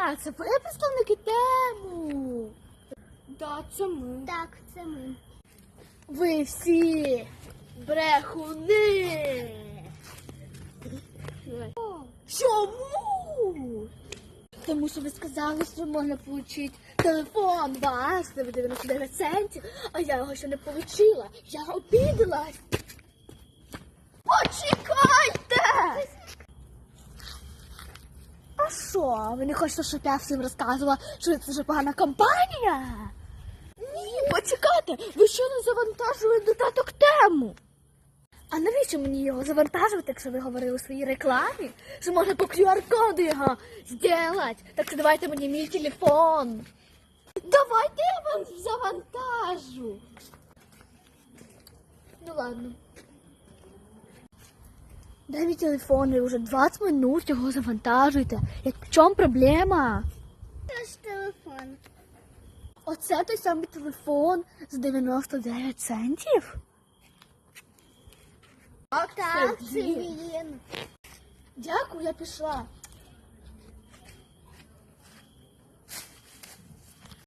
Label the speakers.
Speaker 1: це ви представники Тему?
Speaker 2: Да, це ми.
Speaker 3: Так, це ми.
Speaker 1: Ви всі брехуни. Чому? Тому що ви сказали, що можна отримати телефон ваш за 99 центів, а я його ще не отримала. Я обідалась. Почекайте! А що, ви не хочете, щоб я всім розказувала, що це дуже погана компанія? Ні, почекайте, ви що не завантажили додаток Тему? А навіщо мені його завантажувати, якщо ви говорили у своїй рекламі? Що можна по QR-коду його зробити? Так що давайте мені мій телефон. Давайте я вам завантажу. Ну ладно. Дай мій телефон, ви вже 20 минут його завантажуєте. В чому проблема?
Speaker 3: Це ж телефон.
Speaker 1: Оце той самий телефон з 99 центів?
Speaker 3: Так, це він.
Speaker 1: Дякую, я пішла.